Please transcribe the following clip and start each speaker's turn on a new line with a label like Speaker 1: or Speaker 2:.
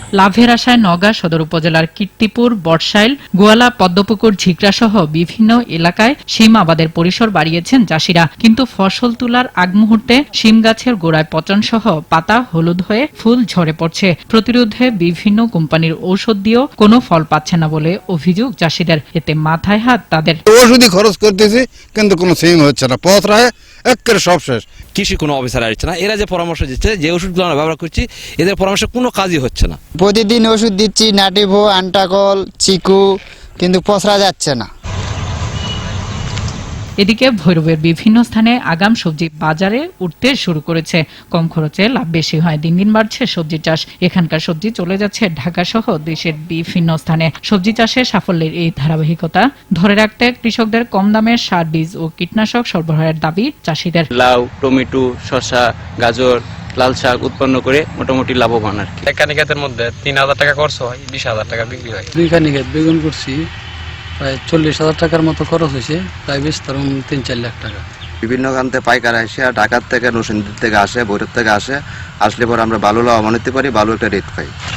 Speaker 1: লাভের আশায় নওগাঁ সদর উপজেলার কীর্তিপুর, বটশাইল, গোয়ালা, পদ্মপুকুর, ঝিকরা সহ বিভিন্ন এলাকায় শিম আবাদের পরিসর বাড়িয়েছেন চাষিরা। কিন্তু ফসল তোলার আগ মুহূর্তে শিম গাছের গোড়ায় পচন সহ পাতা হলুদ হয়ে ফুল ঝরে পড়ছে। প্রতিরোধে বিভিন্ন কোম্পানির ঔষধ দিয়েও কোনো ফল পাচ্ছে না বলে অভিযোগ চাষিদের। এতে মাথায় হাত তাদের।
Speaker 2: ওষুধই খরচ করতেছি কিন্তু কোনো সিম হচ্ছে না, পথ রায় একেবারে সব শেষ।
Speaker 3: কৃষি কোনো অফিসার আসছে না, এরা যে পরামর্শ দিচ্ছে, যে ওষুধগুলো আমরা ব্যবহার করছি, এদের পরামর্শ কোনো কাজই হচ্ছে না।
Speaker 4: প্রতিদিন ওষুধ দিচ্ছি, নাটিভো, আন্টাকল, চিকু, কিন্তু পচরা যাচ্ছে না।
Speaker 1: এদিকে ভৈরবের বিভিন্ন স্থানে আগাম সবজি বাজারে উঠতে শুরু করেছে। কম খরচে লাভ বেশি হয়, দিন দিন বাড়ছে সবজি চাষ। এখানকার সবজি চলে যাচ্ছে ঢাকা সহ দেশের বিভিন্ন স্থানে। সবজি চাষে সাফল্যের এই ধারাবাহিকতা ধরে রাখতে কৃষকদের কম দামে সার, বীজ ও কীটনাশক সরবরাহের দাবি চাষিদের।
Speaker 5: লাউ, টমেটো, শসা, গাজর, লাল শাক উৎপন্ন করে মোটামুটি লাভবান আর কি।
Speaker 6: এক কানিকাতের মধ্যে 3,000 টাকা খরচ হয়, 20,000 টাকা বিক্রি হয়।
Speaker 7: 2 কানিকাত বেগুন করছি, প্রায় 40,000 টাকার মতো খরচ হয়েছে, প্রায় 3-4 লাখ টাকা।
Speaker 8: বিভিন্ন গানতে পাইকার আসে, ঢাকার থেকে, নরসিংদীর থেকে আসে, ভৈরব থেকে আসলে পরে আমরা ভালো লাভবান হতে পারি, ভালো একটা রেট পাই।